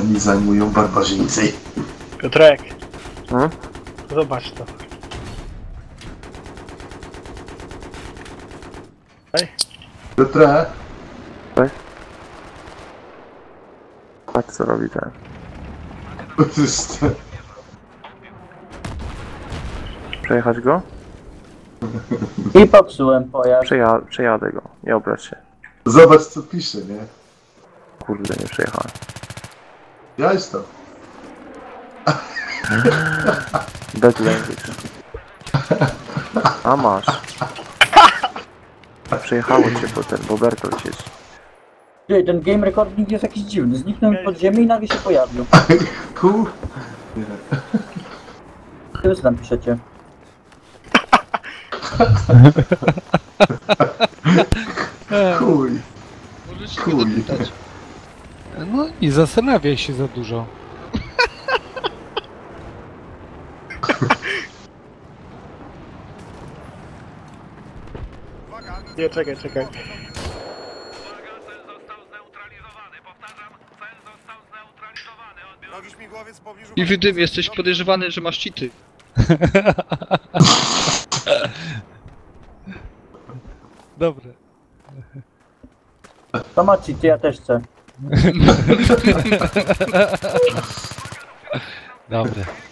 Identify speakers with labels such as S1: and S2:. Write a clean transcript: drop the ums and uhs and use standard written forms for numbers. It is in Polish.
S1: nami zajmują barbarzyńcy.
S2: Piotrek,
S3: Hmm?
S2: zobacz to. Ej,
S1: Piotrze,
S3: Patrz co robi ten. Przejechać go?
S4: I popsułem pojazd.
S3: Przejadę go, nie obrać się.
S1: zobacz co pisze, nie?
S3: Kurde, nie przejechałem.
S1: Ja jestem.
S3: Bad language. A masz. Przejechało cię potem, bo Bertolt siedzi.
S4: Ty, ten game recording jest jakiś dziwny. Zniknął mi pod ziemię i nagle się pojawił.
S1: Kur...
S4: Ty co tam piszecie?
S1: Chuj.
S5: Możesz się
S1: Chuj.
S5: go dopytać.
S6: No i zastanawiaj się za dużo.
S2: nie, czekaj.
S5: I w tym jesteś podejrzewany, że masz cheaty.
S6: Dobre.
S4: To macie, ty ja też chcę.
S6: Dobre.